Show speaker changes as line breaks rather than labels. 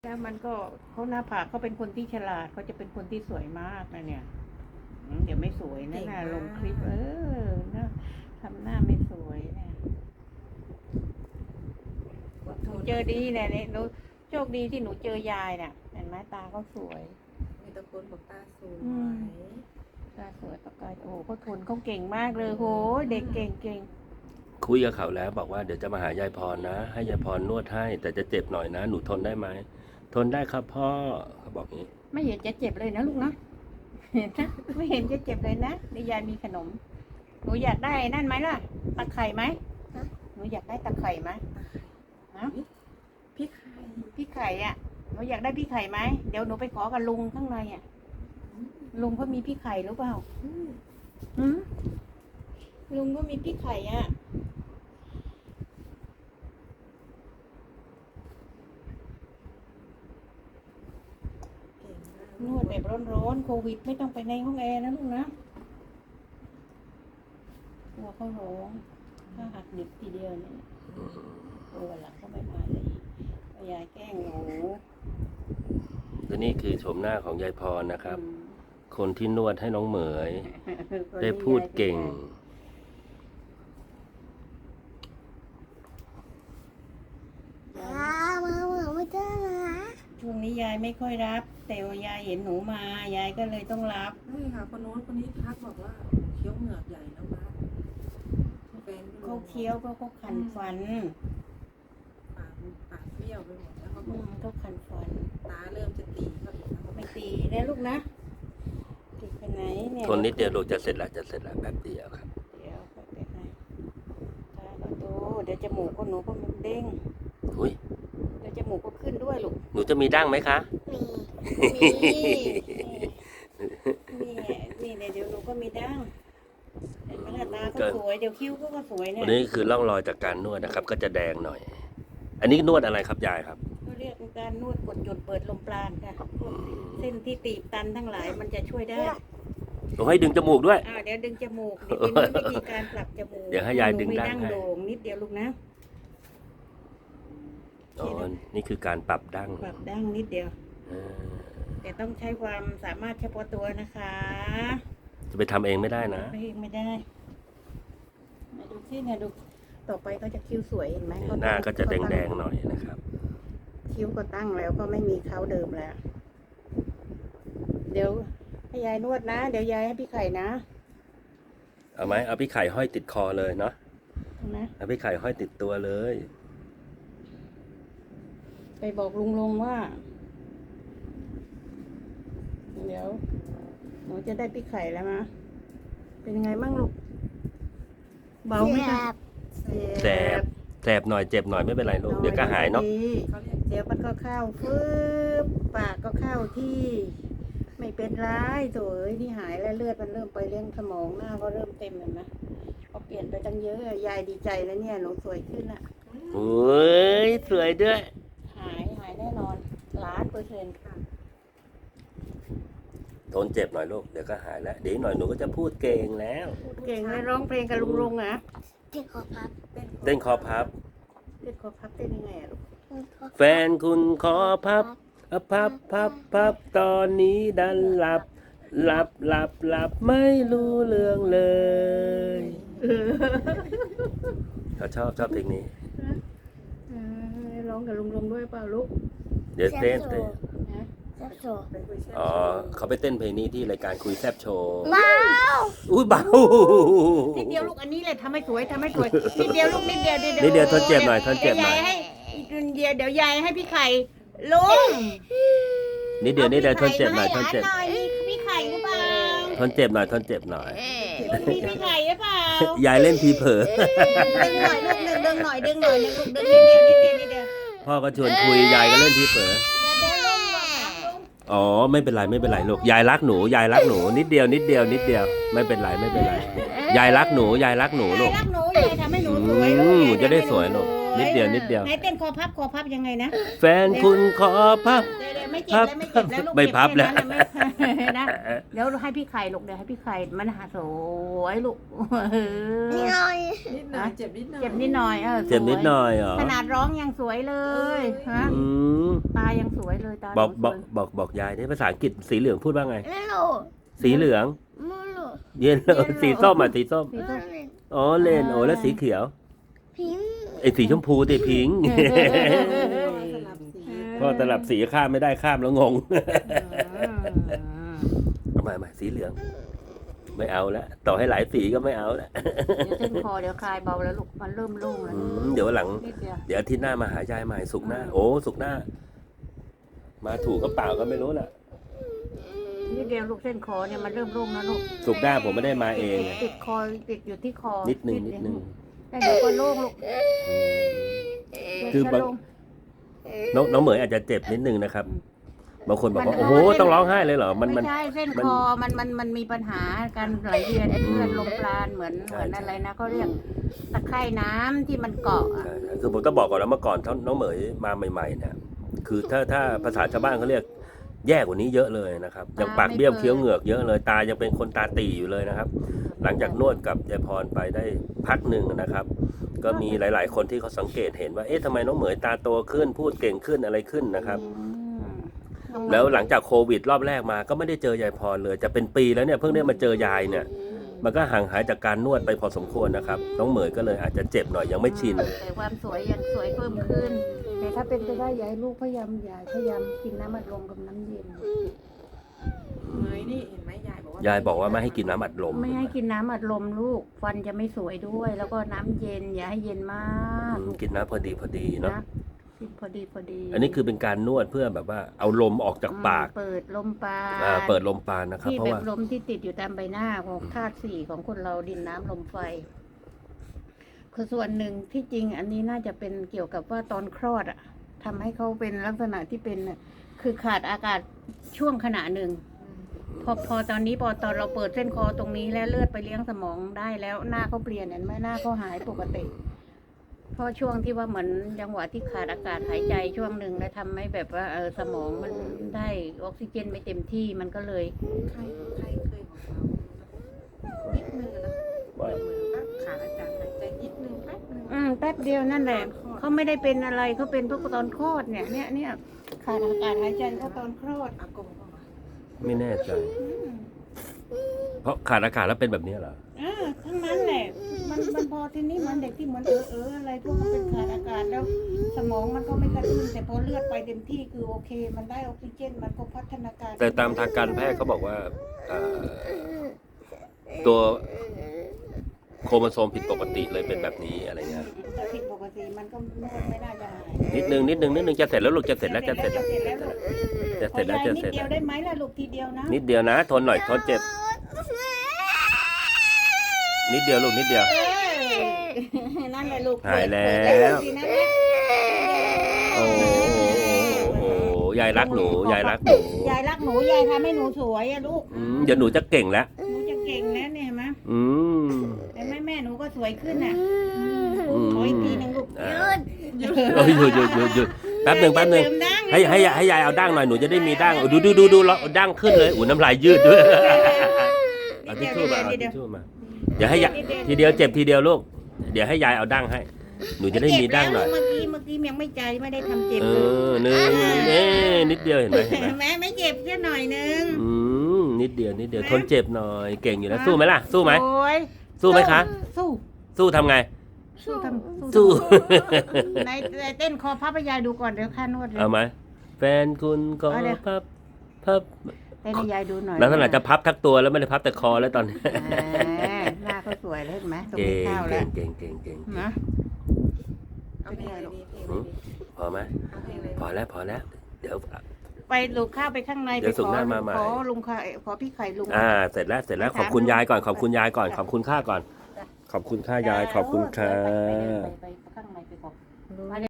แล้วมันก็เขาหน้าผากเขาเป็นคนที่ฉลาดเขาจะเป็นคนที่สวยมากนะเนี่ยเดี๋ยวไม่สวยนะน่าลงคลิปนะทำหน้าไม่สวยเนี่ยหนูเจอดีเนี่ยหนูโชคดีที่หนูเจอยายเนี่ยเห็นไหมตาเขาสวย
มีตะโกนบอกตาสวย
ตาสวยตากายโอ้เขาทนเขาเก่งมากเลยโหเด็กเก่ง
คุยกับเขาแล้วบอกว่าเดี๋ยวจะมาหายายพรนะ ให้ยายพรนวดให้ แต่จะเจ็บหน่อยนะ หนูทนได้ไหมทนได้ครับพ่อเขาบอกงี้
ไม่เห็นจะเจ็บเลยนะลูกนะเห็นนะไม่เห็นจะเจ็บเลยนะนี่ยายมีขนมหนูอยากได้นั่นไหมล่ะตะไคร่ไหมหนูอยากได้ตะไคร่ไหมฮะ
พี่ไข่
พี่ไข่อ่ะหนูอยากได้พี่ไข่ไหมเดี๋ยวหนูไปขอกับลุงข้างในอ่ะลุงเขามีพี่ไข่หรือเปล่าหืมลุงก็มีพี่ไข่อ่ะนวดแบบร้อนๆโควิดไม่ต้องไปในห้องแอร์นะลูกนะกลัวเขาร้องถ้าหักดิบทีเดียวเนี่ยตัวหลังก็ไม่มาเลยยายแกล้งหนู
และนี่คือโฉมหน้าของยายพรนะครับ คนที่นวดให้น้องเหมย ได้พูดเก่ง
ช่วงนี้ยายไม่ค่อยรับ แต่ว่ายายเห็นหนูมายายก็เลยต้องรับ
ใช่ค่ะคนโน้นคนนี้ทักบอกว่าเคี้ยวเหงือกใหญ่แล้วนะแฟน
เขาเคี้ยวก็เขาขันฟัน
ปากเบี้ยวไปหมดแล้วเขาบอก
เขาขันฟัน
ตาเริ่มจะตีเขาอีกแล้ว
ไม่ตีนะลูกนะตีไปไหนเนี่ย
ทนนิดเดียวลูกจะเสร็จแล้วแป๊บเดียวครับ
เดี๋ยวไปไหนตาก็โตเดี๋ยวจมูกก็หนูก็มันเด้ง
อุ้ย
เดี๋ยวจมูกก็ขึ้นด้วยลูก
หนูจะมีดั้งไหมคะ
นี่เดี๋ยวหนูก็มีดั้งเห็นไหมล่ะตาก็สวยเดี๋ยวคิ้วก็สวยเนี่ย
วันนี้คือร่องรอยจากการนวดนะครับ ก็จะแดงหน่อย อันนี้นวดอะไรครับยายครับ
เขาเรียกการนวดกดจุดเปิดลมปราณค่ะเส้นที่ตีบตันทั้งหลายมันจะช่วยได้
ผมให้ดึงจมูกด้วย
เดี๋ยวดึงจมูกเดี๋ยวเป็นวิธีการปรับจมูก
เดี๋ยวให้ยายดึงดั้ง
ดั้ง
ให้
โด่งนิดเดียวลูกนะ
อ๋อ นี่คือการปรับดั้ง
ปรับดั้งนิดเดียว
อ่า
แต่ต้องใช้ความสามารถเฉพาะตัวนะคะ
จะไปทำเองไม่ได้นะ
ไม่ได้มาดูที่เนี่ยดูต่อไปก็จะคิ้วสวยเห็นไหม
หน้าก็จะแดงๆหน่อยนะครับ
คิ้วก็ตั้งแล้วก็ไม่มีเขาเดิมแล้ว เดี๋ยวให้ยายนวดนะ เดี๋ยวยายให้พี่ไข่นะ
เอาไหมเอาพี่ไข่ห้อยติดคอเลยเนาะ
นะ
เอาพี่ไข่ห้อยติดตัวเลย
ไปบอกลุงว่า เดี๋ยวหนูจะได้พี่ไข่แล้วนะเป็นยังไงบ้างลูกเบาไหมคะ
แสบหน่อยเจ็บหน่อยไม่เป็นไรลูกเดี๋ยวก็หายเนาะ
เขาเรียก
เดี๋ยวมันก็เข้าฟืบปากก็เข้าที่ ไม่เป็นไรโถยนี่หายแล้วเลือดมันเริ่มไปเลี้ยงสมองหน้าก็เริ่มเต็มเห็นไหมพอเปลี่ยนไปตั้งเยอะยายดีใจแล้วเนี่ยหนูสวยขึ้นอ่ะ
โอ้ยสวยด้วย
หายแน่นอน1,000,000%ค่ะ
ทนเจ็บหน่อยลูกเดี๋ยวก็หายแล้วเดี๋ยวอีกหน่อยหนูก็จะพูดเก่งแล้ว
เก่งเลยร้องเพลงกับลุงอ่ะ
เต้นคอพับ
เต้นคอพับเต้นยังไงอะลูก
แฟนคุณขอพับพับตอนนี้ดันหลับไม่รู้เรื่องเลยเขาชอบเพลงนี้
ร้องกับลุงด้วยเปล่าลูก
เดี๋ยวเต้น
นะ
เป็นคุยแช่
อ๋อเขาไปเต้นเพลงนี้ที่รายการคุยแซบโชว์
ว้าว
อุ้ยเบา
นิดเดียวลูกอันนี้เลยทำให้สวยนิดเดียวลูกนิดเดียว
นิดเดียวทนเจ็บหน่อยทนเจ็บหน่อย
เดี๋ยวยายให้พี่ไข่ลุง
นิดเดียวทนเจ็บหน่อยทนเจ็บ
พี่ไข่หรือเปล่า
ทนเจ็บหน่อย
มีพี่ไข่หรือเปล่าย
ายเล่นทีเผลอ
ดึงหน่อยลูกดึงหน่อยลูกดึงนิดเดียว
พ่อก็ชวนคุยยายก็เล่นทีเผลอ
เดี๋ยวลุงบอกครับลุง
อ๋อไม่เป็นไรลูกยายรักหนูนิดเดียวไม่เป็นไรยายรักหนูลูก
ยายรักหนูยายทำให้หนูสวยลูก
หนูจะได้สวยลูกนิดเดียว
ไหนเต้นคอพับยังไงนะ
แฟนคุณขอพับ
เดี๋ยวไม่
พับ
ไม่เจ็บแล้วลูก
ไม่พับแล้ว
เจ็ค่นั้นน่ะไม่ นะเดี๋ยวให้พี่ไข่ลูกเดี๋ยวให้พี่ไข่มันหาสวยลูกเออ
นิดหน่อยเจ็บนิดหน่อย
เจ็บนิดหน่อยสวย
เจ็บนิดหน่อยเหรอ
ขนาดร้องยังสวยเลยฮะ
อืม
ตายังสวยเลยตา
บอก
หนู
บอก
สวย
บอกยายนี่ภาษาอังกฤษสีเหลืองพูดว่าไง
Hello.
สีเหลือง
Molo.
เย็นสีส้มอ่ะสีส้ม
สีส้ม
อ๋อเลนโอ้แล้วสีเขียว
Pink.
ไอ้สีชมพูติพิงค์
สลับสี
ก็ตลับสีข้ามไม่ได้ข้ามแล้วงง
อืม
เอาใหม่สีเหลือง ไม่เอาแล้วต่อให้หลายสีก็ไม่เอาแล้ว
เดี๋ยวเส้นคอเดี๋ยวคลายเบาแล้วลูกมันเริ่มโล่งแล้ว
เดี๋ยววันหลัง
นิดเดียว
เดี๋ยวอาทิตย์หน้ามาหายายใหม่สุกร์หน้า โอ้สุกร์หน้า มาถูกก็เปล่าก็ไม่รู้น่ะ
นิดเดียวลูกเส้นคอเนี่ยมันเริ่มโล่งแล้วลูก
สุกร์หน้าผมไม่ได้มาเอง
ติดคอติดอยู่ที่คอ
นิดนึง
แต่เดี๋ยวก็โล่งลูก
คือบาง
เดี๋ยวจะโล่ง
น้องเหมยอาจจะเจ็บนิดนึงนะครับ บางคนบอกว่าโอ้โหต้องร้องไห้เลยเหรอมัน
ไม่ใช่เส้นคอมันมีปัญหาการไหลเวียนเลือดลมปราณเหมือนอะไรนะเขาเรียกตะไคร่น้ำที่มันเกาะอะ
คือผมต้องบอกก่อนแล้วเมื่อก่อนน้องเหมยมาใหม่ๆเนี่ยคือถ้าภาษาชาวบ้านเขาเรียกแย่กว่านี้เยอะเลยนะครับยังปากเบี้ยวเคี้ยวเหงือกเยอะเลยตายังเป็นคนตาตีอยู่เลยนะครับ หลังจากนวดกับยายพรไปได้พักหนึ่งนะครับ ก็มีหลายๆ คนที่เขาสังเกตเห็นว่าเอ๊ะทำไมน้องเหมยตาโตขึ้นพูดเก่งขึ้นอะไรขึ้นนะครับ แล้วหลังจากโควิดรอบแรกมาก็ไม่ได้เจอยายพรเลยจะเป็นปีแล้วเนี่ยเพิ่งได้มาเจอยายเนี่ย มันก็ห่างหายจากการนวดไปพอสมควรนะครับน้องเหมยก็เลยอาจจะเจ็บหน่อยยังไม่ชิน
แต่ความสวยยังสวยเพิ่มขึ้น แต่ถ้าเป็นไปได้อยากให้ลูกพยายามกินน้ำอัดลมกับน้ำเย็น
เมยนี่เห็นไหมยายบอกว่าย
ายบอกว่าไม่ให้กินน้ำอัดลม
ไม่ให้กินน้ำอัดลมลูกฟันจะไม่สวยด้วย แล้วก็น้ำเย็นอย่าให้เย็นมาก
กินน้ำพอดีเนาะ
นะกินพอดี
อันนี้คือเป็นการนวดเพื่อแบบว่าเอาลมออกจากปาก
เปิดลมปราณ
เปิดลมปราณนะครับ
ที่
เพราะ
แบบ
ว่า
ลมที่ติดอยู่ตามใบหน้าของธาตุสี่ของคนเราดินน้ำลมไฟคือส่วนหนึ่งที่จริงอันนี้น่าจะเป็นเกี่ยวกับว่าตอนคลอดอะทำให้เขาเป็นลักษณะที่เป็นน่ะคือขาดอากาศช่วงขณะหนึ่ง พอตอนนี้พอตอนเราเปิดเส้นคอตรงนี้แล้วเลือดไปเลี้ยงสมองได้แล้วหน้าเขาเปลี่ยนเห็นไหมหน้าเขาหายปกติ เพราะช่วงที่ว่าเหมือนจังหวะที่ขาดอากาศหายใจช่วงหนึ่งแล้วทำให้แบบว่าสมองมันได้ออกซิเจนไม่เต็มที่มันก็เลย
ใครเคยบอกเรานิดนึงนะเหมือนว่าขาดอากาศหายใจนิดนึงแป๊บนึง
แป๊บเดียวนั่นแหละเขาไม่ได้เป็นอะไรเขาเป็นเพราะตอนคลอดเนี่ยขาดอากาศหายใจเขาตอนคลอด
อากงบอกว่า
ไม่แน่ใจ เพราะขาดอากาศแล้วเป็นแบบนี้เหรอ
ทั้งนั้นแหละมันพอทีนี้มันเด็กที่เหมือนอะไรพวกมันเป็นขาดอากาศแล้ว สมองมันก็ไม่กระตุ้นแต่พอเลือดไปเต็มที่คือโอเค มันได้ออกซิเจนมันก็พัฒนาการ
แต่ตามทางการแพทย์เขาบอกว่าตัวโครโมโซมผิดปกติเลยเป็นแบบนี้อะไรเงี้ย
ถ้าผิดปกติมันก็ไม่น่าจะหาย
นิดนึงจะเสร็จแล้วลูกจะเสร็จแล้วจะเสร็จแล้ว
จะเสร็จแล้ว
จะ
นิ
เสร็
ด
จ
เดี
แล้
ยว วได้ไหมล่ะลูกทีเดียวนะ
นิดเดียวนะทนหน่อยทนเจ็บ นิดเดียวลูกนิดเดียว
นั่นแหละลูก
หายแล้ว โอ้โหยายรักหนูยายรักหนู
ยายรักหนูยายทำให้หนูสวยอะลูก
เดี๋ยวหนูจะเก่งแล้ว
หนูจะเก่งนะเนี่ยเห็นไหม
อืม
แต่แม่หนูก็สวยขึ้นน่ะ
อืม
ขออีกทีหนึงลูก
อ่าโอ้ยหยุดแป๊บหนึ่ง
เติมดั้ง
ให้ยายเอาดั้งหน่อยหนูจะได้มีดั้งดูเราดั้งขึ้นเลยอู้น้ำลายยืดด้วยเอาทิชชู่มาเอาทิชชู่มาเดี๋ยวให้ยายทีเดียวเจ็บทีเดียวลูกเดี๋ยวให้ยายเอาดั้งให้ หนูจะได้มีดั้งหน่อย
เมื่อกี้ยังไม่ใจไม่ได้ทำเจ็บ
เอ
เลย
อนิดเดียวเห็นไหม
แม่ไม่เจ็บแค่หน่อยนึง
นิดเดียวทนเจ็บหน่อยเก่งอยู่แล้วสู้ไหมล่ะสู้ไหม
โอ้ย
สู้ไหมคะ
สู้
สู้ทำไง
สู้ทำ
สู้
ในเต้นคอพับให้ยายดูก่อนเดี๋ยวค่านวดเลย
เอาไหมแฟนคุณก็
เอาเดี๋ยว
พับ
เต้นให้ยายดูหน่อย
แล้วขนาดจะพับทั้งตัวแล้วไม่ได้พับแต่คอแล้วตอนนี้
หน้าเขาสวยเลยเห็นไหมตรง
เก่
นี้
ง
ข้าวแล้ว
เก่ง
นะ
เอาเพลงอะไรดีเพลงอะไรดี
พอไหม
เอาเพลงอะไร
พอแล้ว เดี๋ยว
ไปลูกข้าวไปข้างใน
เดี๋ยว
ไป
สุกร์หน้ามาใหม่
ขอลุงไข่ขอพี่ไข่ลุง
เสร็จแล้วขอบคุณยายก่อนขอบคุณค่าก่อน ขอบคุณค่ายายขอบคุณค่ะ
ไปข้างในไปก่อน